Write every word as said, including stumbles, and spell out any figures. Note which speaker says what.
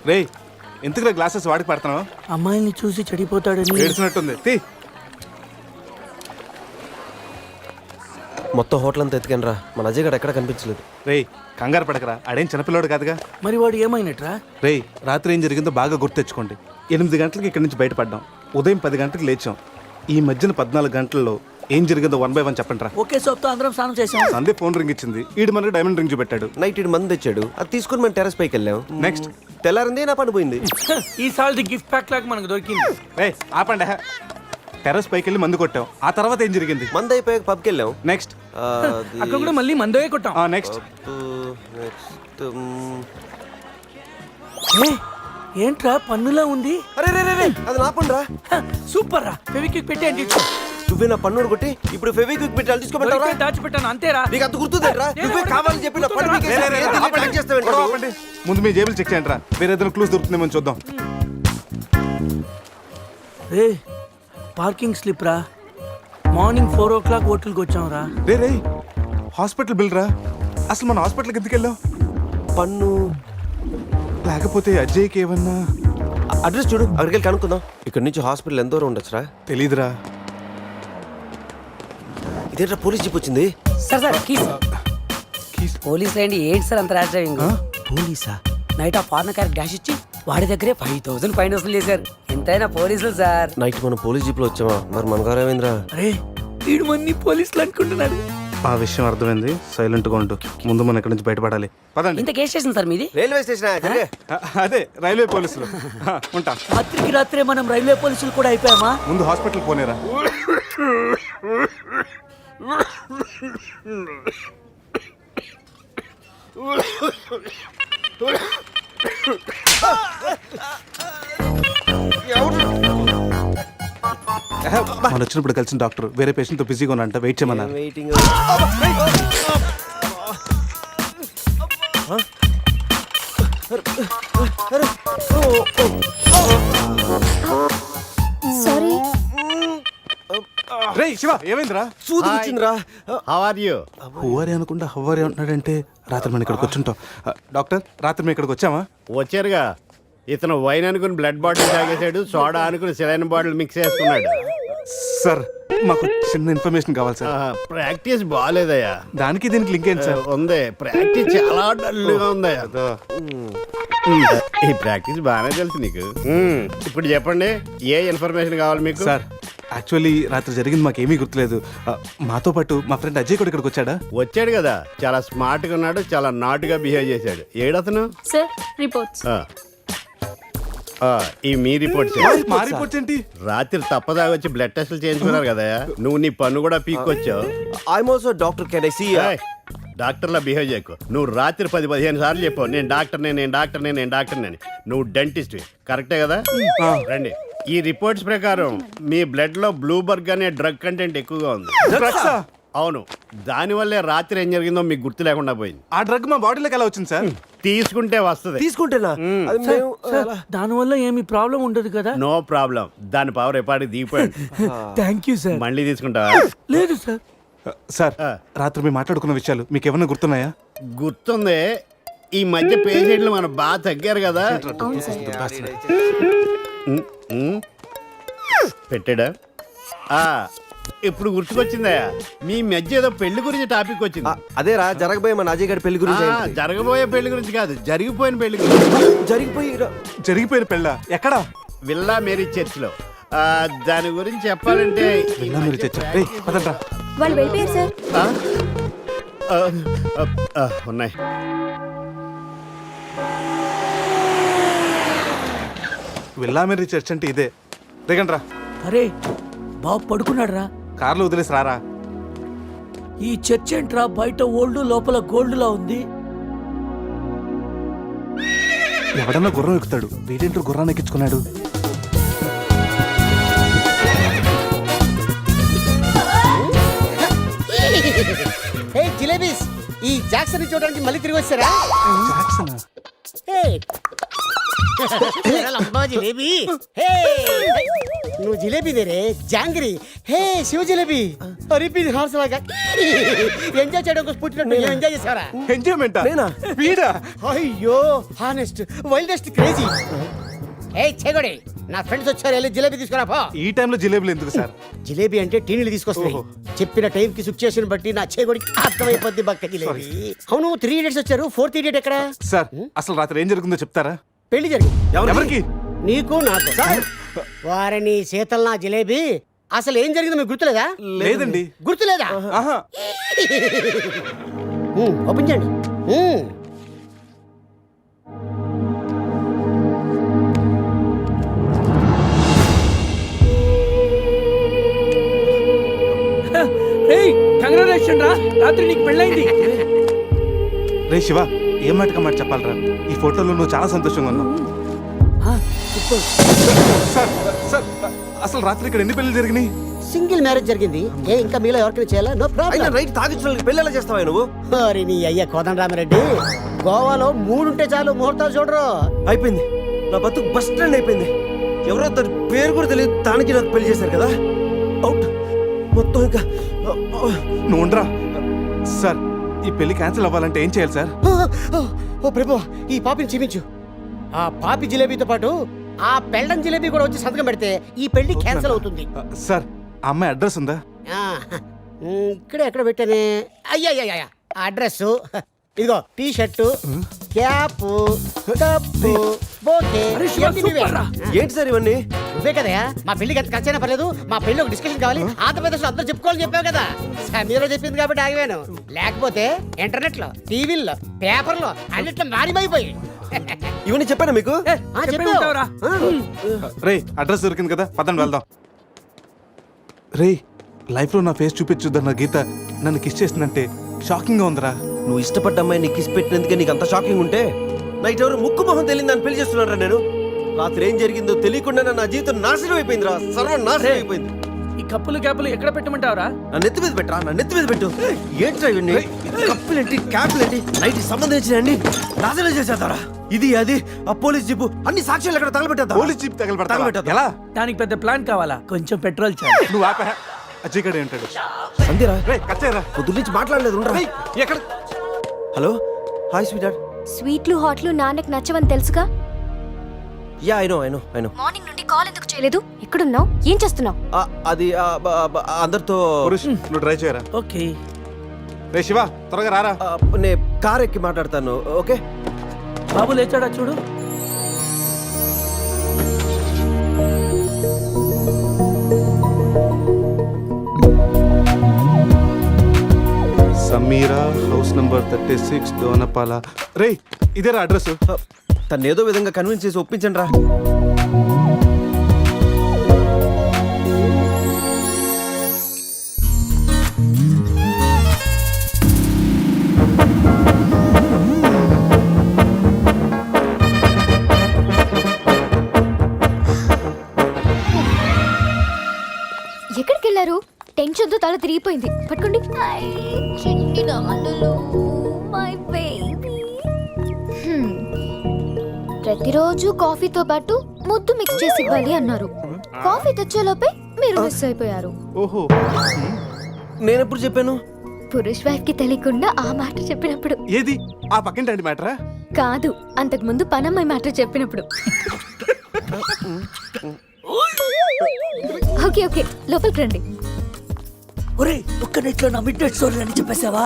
Speaker 1: రే ఎందుకురా గ్లాసెస్ వాడికి పడుతున్నావు?
Speaker 2: అమ్మాయిని చూసి చెడిపోతాడని
Speaker 1: ఏడ్చినట్టుంది. తీ.
Speaker 3: మొత్తం హోటల్ అంతా ఎత్తుకాను రా, మన అజయ్ గడ ఎక్కడ కనిపించలేదు.
Speaker 1: రే కంగారు పడకరా, ఆడేం చిన్నపిల్లోడు కాదుగా.
Speaker 2: మరి వాడు ఏమైనట్రా?
Speaker 1: రే రాత్రి ఏం జరిగిందో బాగా గుర్తెచ్చుకోండి. ఎనిమిది గంటలకి ఇక్కడి నుంచి బయటపడ్డాం, ఉదయం పది గంటలకు లేచాం. ఈ మధ్యన పద్నాలుగు గంటల్లో ఏం జరిగిందో వన్ బై వన్ చెప్పండి రా.
Speaker 2: ఒకే సోప్తో అందరం స్నానం చేసాం.
Speaker 1: సందే ఫోన్ రింగ్ ఇచ్చింది, ఈడు మనకి డైమండ్ రింగ్ చూపెట్టాడు.
Speaker 3: నైట్ ఇటు మంది తెచ్చాడు, అది తీసుకుని మనం టెరస్ పైకి వెళ్ళాం.
Speaker 1: నెక్స్ట్
Speaker 3: తెల్లారింది నా పని పోయింది.
Speaker 2: ఈ సాల్ గిఫ్ట్ ప్యాక్ లాగా మనకు దొరికింది.
Speaker 1: రే ఆపండి. టెర్రస్ పైకి వెళ్ళి మందు కొట్టాం. ఆ తర్వాత ఏం జరిగింది?
Speaker 3: మంది అయిపోయాక పబ్కి వెళ్ళాం.
Speaker 1: నెక్స్ట్
Speaker 2: అక్కడ కూడా మళ్ళీ మందే కొట్టాం.
Speaker 1: నెక్స్ట్
Speaker 3: నెక్స్ట్
Speaker 2: ఏంట్రా పన్నులా ఉంది?
Speaker 3: అరే రే రే అది నా పని రా.
Speaker 2: సూపర్ రా, ఫెవిక్విక్ పెట్టి అంటే
Speaker 3: నువ్వే నా పన్నుడు కొట్టి ఇప్పుడు ఫెవిక్విక్ పెట్టి అది తీసుకోమంటావా?
Speaker 2: దాచిపెట్టాను అంతేరా.
Speaker 3: నీకు అంత గుర్తుందేట్రా? నువ్వే కావాలని చెప్పి నా పన్ను పీకేసి ఏంది ఇలా ట్రాక్ చేస్తావేంట్రా?
Speaker 1: ముందు మీ జేబులు చెక్ చేయండి రా, వేరే ఏదైనా క్లూస్ దొరుకుతుందేమో చూద్దాం.
Speaker 2: రే పార్కింగ్ స్లిప్ రా, మార్నింగ్ ఫోర్ ఓ క్లాక్ హోటల్కి వచ్చాం రా.
Speaker 1: రే రే హాస్పిటల్ బిల్ రా. అసలు మన హాస్పిటల్కి ఎందుకు వెళ్ళావు?
Speaker 3: పన్ను
Speaker 1: లేకపోతే అజయ్కి ఏమన్నా
Speaker 3: అడ్రస్ చూడు, అక్కడికి వెళ్ళి కనుక్కుందాం. ఇక్కడ నుంచి హాస్పిటల్ ఎంత దూరం ఉండొచ్చురా?
Speaker 1: తెలీదురా.
Speaker 3: ఇదేంట్రా పోలీస్ జీప్ వచ్చింది?
Speaker 4: Sir sir keys
Speaker 1: keys.
Speaker 4: Police రండి. ఏంటి సార్ అంత ర్యాష్ డ్రైవింగ్?
Speaker 2: పోలీసా?
Speaker 4: నైట్ ఆ ఫారెన్ కార్ డాష్ ఇచ్చి వాడి దగ్గరే ఫైవ్ థౌసండ్ ఫైన్ వసూలు చేశారు. ఎంతైనా పోలీసులు సార్.
Speaker 3: నైట్ మనం పోలీస్ జీప్ లో వచ్చామా? మరి మన గారు ఏమైందిరా?
Speaker 2: అరే వీడు మన్ని పోలీసులు అనుకుంటున్నాడు.
Speaker 1: ఆ విషయం అర్థమైంది, సైలెంట్ గా ఉంటూ. ముందు మనం ఇక్కడి నుంచి బయటపడాలి. పదండి.
Speaker 4: ఇంత కేసు చేసింది సార్ మీది?
Speaker 3: Railway station.
Speaker 1: అ- అదే రైల్వే పోలీసులు. హ, ఉంటా.
Speaker 2: రాత్రికి రాత్రే మనం రైల్వే పోలీసులు కూడా అయిపోయామా?
Speaker 1: ముందు హాస్పిటల్ పోనేరా. మనం వచ్చినప్పుడు కలిసిన డాక్టర్ వేరే పేషెంట్ తో బిజీగా ఉన్నంట, వెయిట్ చేయమన్నారు.
Speaker 3: వెయిటింగ్.
Speaker 5: సారీ.
Speaker 1: రే శివ ఏమైందిరా?
Speaker 3: సూది వచ్చిందిరా.
Speaker 6: How are you?
Speaker 1: హువారి అనుకుంటా హవ్వారి అంటున్నాడంటే రాత్రి మనం ఇక్కడికి వచ్చుంటాం. డాక్టర్ రాత్రి మేము ఇక్కడికి వచ్చామా?
Speaker 6: వచ్చారుగా. ఇతను వైన్ అనుకుని బ్లడ్ బాటిల్ తాగేశాడు, సోడా అనుకుని సెలైన్ బాటిల్ మిక్స్ చేసుకున్నాడు.
Speaker 1: సార్ మాకు చిన్న ఇన్ఫర్మేషన్ కావాలి సార్.
Speaker 6: ఆహా, ప్రాక్టీస్ బాగాలేదయ్యా.
Speaker 1: దానికి దీనికి లింక్ ఏంటి సార్?
Speaker 6: ఉంది, ప్రాక్టీస్ చాలా డల్గా ఉందయ్యా. ఈ ప్రాక్టీస్ బాగానే తెలుసు నీకు. మ్మ్. ఇప్పుడు చెప్పండి, ఏ ఇన్ఫర్మేషన్ కావాలి మీకు?
Speaker 1: సార్ యాక్చువల్లీ రాత్రి జరిగింది మాకు ఏమీ గుర్తులేదు. ఆ, మాతో పాటు మా ఫ్రెండ్ అజయ్ కూడా ఇక్కడికి వచ్చాడా?
Speaker 6: వచ్చాడు కదా, చాలా స్మార్ట్ గా ఉన్నాడు, చాలా నాట్ గా బిహేవ్ చేశాడు. ఏడతను?
Speaker 5: Sir reports.
Speaker 6: ఆ. ఆ, ఈ మీ రిపోర్ట్స్.
Speaker 1: మా రిపోర్ట్స్ ఏంటి?
Speaker 6: రాత్రి తప్పదాగా వచ్చి బ్లడ్ టెస్టులు చేయించుకున్నారు కదా, నువ్వు నీ పన్ను కూడా పీక్కొచ్చావు.
Speaker 3: I'm also doctor. Can I see?
Speaker 6: డాక్టర్లా బిహేవ్ చేయకు. నువ్వు రాత్రి పది పదిహేను సార్లు చెప్పావు నేను డాక్టర్నే నేను డాక్టర్నే నేను డాక్టర్నే. నువ్వు డెంటిస్ట్ కరెక్టే కదా? రండి. ఈ రిపోర్ట్స్ ప్రకారం మీ బ్లడ్ లో బ్లూబర్గ్ అనే డ్రగ్ కంటెంట్ ఎక్కువగా ఉంది.
Speaker 1: డ్రగ్సా?
Speaker 6: అవును, దానివల్లే రాత్రి ఏం జరిగిందో మీకు గుర్తు లేకుండా పోయింది.
Speaker 1: ఆ డ్రగ్ మా బాడీలోకి ఎలా వచ్చింది సార్?
Speaker 6: తీసుకుంటే వస్తుంది.
Speaker 3: తీసుకుంటేనా? అది మేము
Speaker 2: దానివల్ల ఏమి ప్రాబ్లం ఉండదు కదా?
Speaker 6: No problem. దాని పవర్ ఎప్పటికి దిగిపోయాడు.
Speaker 2: Thank you sir.
Speaker 6: మళ్ళీ తీసుకుంటావా?
Speaker 2: లేదు సార్.
Speaker 1: సార్ రాత్రి మేము మాట్లాడుకున్న విషయాలు మీకు ఏమన్నా గుర్తున్నాయా?
Speaker 6: గుర్తుంది. ఈ మధ్య పేషెంట్లు మనం బాగా తగ్గారు కదా. ఉమ్, ఉమ్. పెట్టాడా? ఆ, ఇప్పుడు గుర్తుకొచ్చిందయ్యా, మీ మధ్య ఏదో పెళ్లి గురించి టాపిక్ వచ్చింది.
Speaker 3: అదేరా జరగబోయే మన అజయ్ గారి పెళ్లి గురించి.
Speaker 6: ఆ, జరగబోయే పెళ్లి గురించి కాదు, జరిగిపోయిన పెళ్లి గురించి.
Speaker 3: జరిగిపోయి
Speaker 1: జరిగిపోయిన పెళ్ళ ఎక్కడా?
Speaker 6: విల్లా మేరీ చర్చ్ లో. ఆ, దాని గురించి చెప్పాలంటే
Speaker 1: వెళ్ళా మీరు చచ్చా. రే పదండ్రా.
Speaker 5: వాళ్ళు వెళ్ళిపోయారు సార్.
Speaker 6: ఆ? ఆ, ఆ, ఆ, ఉన్నాయి.
Speaker 1: వెళ్ళా మీరు చర్చ్ అంటే ఇదే. దిగండ్రా.
Speaker 2: అరే బాబు పడుకున్నాడు రా.
Speaker 1: కార్లో వదిలేసి రారా.
Speaker 2: ఈ చర్చ్ ఏంట్రా బయట ఓల్డ్ లోపల గోల్డ్ లా ఉంది.
Speaker 1: ఎవడన్నా గుర్రం ఎక్కుతాడు, వీడేంటో గుర్రాన్ని ఎక్కించుకున్నాడు.
Speaker 7: హే జిలేబీస్, ఈ జాక్సన్ చూడడానికి మళ్ళీ తిరిగి వచ్చారా?
Speaker 1: జాక్సనా?
Speaker 7: హే లంబా జిలేబీ. హే నువ్వు జిలేబీ దేరే jangiri. Hey Shiva jalebi repeat horse లాగా ఎంజాయ్ చేయడం కోసం పుట్టినట్టు ఎంజాయ్ చేసావరా
Speaker 1: ఎంజాయ్మెంట్
Speaker 3: నేనా?
Speaker 1: వీడా
Speaker 7: అయ్యో హానెస్ట్ వైల్డెస్ట్ క్రేజీ ఏ చెగొడి నా ఫ్రెండ్స్ వచ్చారు వెళ్ళి జిలేబీ తీసుకురా పో
Speaker 1: ఈ టైంలో జిలేబులు ఎందుకు సార్?
Speaker 7: జిలేబీ అంటే టీనీలు తీసుకొస్తాయి
Speaker 1: ఓహో.
Speaker 7: చెప్పిన టైం కి సిచ్యుయేషన్ బట్టి నా చేగొడికి అర్థమైపోద్ది బక్క జిలేబీ అవును త్రీ ఇడియట్స్ వచ్చారు ఫోర్త్ ఇడియట్ ఎక్కడ
Speaker 1: సార్ అసలు రాత్రి ఏం జరుగుతుందో చెప్తారా?
Speaker 7: పెళ్లి జరిగింది
Speaker 1: ఎవరికి?
Speaker 7: నీకు నాకు వారిని శీతల్ నా జిలేబీ అసలు ఏం జరిగిందో మీకు గుర్తులేదా
Speaker 1: లేదండి.
Speaker 7: గుర్తులేదా
Speaker 1: ఆహా.
Speaker 7: ఉమ్, ఓపెన్ చేయండి ఉమ్.
Speaker 2: ఏయ్ కంగ్రాచులేషన్ రా, రాత్రి నీకు పెళ్ళైంది.
Speaker 1: రే శివ, ఏం మాటక మాట చెప్పాలరా? ఈ ఫోటోలో నువ్వు చాలా సంతోషంగా ఉన్నావు.
Speaker 2: ఆ, సూపర్.
Speaker 1: సార్ సార్ అసలు రాత్రి ఇక్కడ ఎన్ని పెళ్లి జరిగినాయి?
Speaker 7: సింగిల్ మ్యారేజ్ జరిగింది ఏ ఇంకా మీలో ఎవరికైనా చేయాలా నో
Speaker 3: అయినా
Speaker 7: ప్రాబ్లం
Speaker 3: రైట్ తాగించిన పెళ్ళి ఎలా చేస్తావా నువ్వు?
Speaker 7: మరి నీ అయ్య కోదండరామిరెడ్డి గోవాలో మూడుంటే చాలు ముహూర్తాలు చూడరు
Speaker 3: అయిపోయింది, నా బతుకు బస్ స్టాండ్ అయిపోయింది. ఎవరో తన పేరు కూడా తెలియదు, దానికి నాకు పెళ్లి చేశారు కదా. అవుట్ మొత్తం ఇంకా
Speaker 1: నువ్వు ఉండరా. సార్ ఈ పెళ్లి క్యాన్సిల్ అవ్వాలంటే ఏం చేయాలి సార్?
Speaker 7: ఆ, ఆ, ఓ ప్రభు ఈ పాపిని క్షమించు ఆ పాపి జిలేబీతో పాటు ఆ పెళ్ళం జిలేబీ కూడా వచ్చి సంతకం పెడితే ఈ పెళ్లి క్యాన్సిల్ అవుతుంది
Speaker 1: సార్ ఆ అమ్మాయి అడ్రస్ ఉందా?
Speaker 7: ఆ, ఉమ్, ఇక్కడే ఎక్కడ పెట్టానే అయ్యా అయ్యా అడ్రస్ ఇదిగో T shirt cap cup bouquet
Speaker 2: అరే శివ,
Speaker 7: ఇవన్నీ నువ్వే.
Speaker 2: సూపర్ రా.
Speaker 3: ఏంటి సార్ ఇవన్నీ?
Speaker 7: నువ్వే కదయా మా పెళ్లికి ఎంత ఖర్చైనా పర్లేదు మా పెళ్లి ఒక డిస్కషన్ కావాలి ఆంధ్రప్రదేశ్ అందరూ చెప్పుకోవాలని చెప్పావు కదా సమీర చెప్పింది కాబట్టి ఆగిపోయాను లేకపోతే ఇంటర్నెట్ లో టీవీల్లో పేపర్లో అన్నిట్లో మారిపోయి
Speaker 3: ఇవన్నీ చెప్పాను మీకు?
Speaker 2: చెప్పే ఉంటావురా.
Speaker 1: రే అడ్రస్ దొరికింది కదా, పదండి వెళ్దాం. రే లైఫ్లో నా ఫేస్ చూపించుద్దన్న గీత నన్ను కిస్ చేసిందంటే షాకింగ్గా ఉందిరా.
Speaker 3: నువ్వు ఇష్టపడ్డ అమ్మాయి నీకు కిస్ పెట్టినందుకే నీకు అంత షాకింగ్ ఉంటే నైట్ ఎవరు ముక్కు మొహం తెలియదు అని పెళ్లి చేస్తున్నారా నేను? రాత్రి ఏం జరిగిందో తెలియకుండా నా జీవితం నాశనం అయిపోయిందిరా, సర్వం నాశనం అయిపోయింది.
Speaker 2: ఈ కప్పులు క్యాపులు ఎక్కడ పెట్టమంటావురా?
Speaker 3: నా నెత్తి మీద పెట్టరా, నా నెత్తి మీద పెట్టు. ఏంట్రా ఇవన్నీ? కప్పులేంటి క్యాపులేంటి నైట్ సంబంధించిన అన్ని నాశనం చేసేద్దారా. ఇది అది ఆ పోలీస్ జీపు అన్ని సాక్ష్యాలు ఎక్కడ తగలబెట్టేద్దా?
Speaker 1: Police jeep తగలబెడతా
Speaker 3: తగలబెట్టేద్దా?
Speaker 1: ఎలా?
Speaker 2: దానికి పెద్ద ప్లాన్ కావాలా? కొంచెం పెట్రోల్ చాలు.
Speaker 1: నువ్వు ఆపా అజ్జిగడే ఉంటాడు.
Speaker 3: అంతేరా,
Speaker 1: రే కచ్చేరా.
Speaker 3: పొద్దు నుంచి మాట్లాడలేదు ఉండరా.
Speaker 1: ఎక్కడ?
Speaker 3: Hello hi sweet heart.
Speaker 5: స్వీట్లు హాట్లు నాన్నకి నచ్చవని తెలుసుగా.
Speaker 3: Yeah I know I know I know.
Speaker 5: Morning నుండి కాల్ ఎందుకు చేయలేదు? ఎక్కడున్నావు? ఏం చేస్తున్నావు?
Speaker 3: అది ఆ, బ- బ- అందరితో
Speaker 1: పురుష్ నువ్వు డ్రైవ్ చేయరా.
Speaker 2: ఓకే.
Speaker 1: రే శివ త్వరగా రారా.
Speaker 3: ఆ, నే కార్ ఎక్కి మాట్లాడతాను. ఓకే
Speaker 2: బాబు లేచాడా చూడు.
Speaker 1: Sameera house number thirty six Donapala. రే ఇదేరా అడ్రస్.
Speaker 3: తను ఏదో విధంగా కన్విన్స్ చేసి ఒప్పించండి రా.
Speaker 5: ఎక్కడికి వెళ్ళారు? టెన్షన్ తో తల తిరిగిపోయింది. పట్టుకోండి. చిన్ని నాన్నలు, my baby. హ్మ్. ప్రతిరోజు కాఫీతో పాటు ముద్దు మిక్స్ చేసి ఇవ్వాలి అన్నారు. కాఫీ తెచ్చేలోపే మీరు మిస్ అయిపోయారు.
Speaker 1: ఓహో
Speaker 3: నేను ఎప్పుడు చెప్పాను?
Speaker 5: పురుష్ వైఫ్ కి తెలియకుండా ఆ మాట చెప్పినప్పుడు.
Speaker 1: ఏది ఆ పక్కింటి మ్యాటరా?
Speaker 5: కాదు, అంతకు ముందు పనమ్మాయి మాట చెప్పినప్పుడు. ఓకే ఓకే లోపలికి రండి.
Speaker 2: ఒరే ఒక్క నెట్లో నా మిడ్ నైట్ స్టోరీ అని చెప్పేసావా?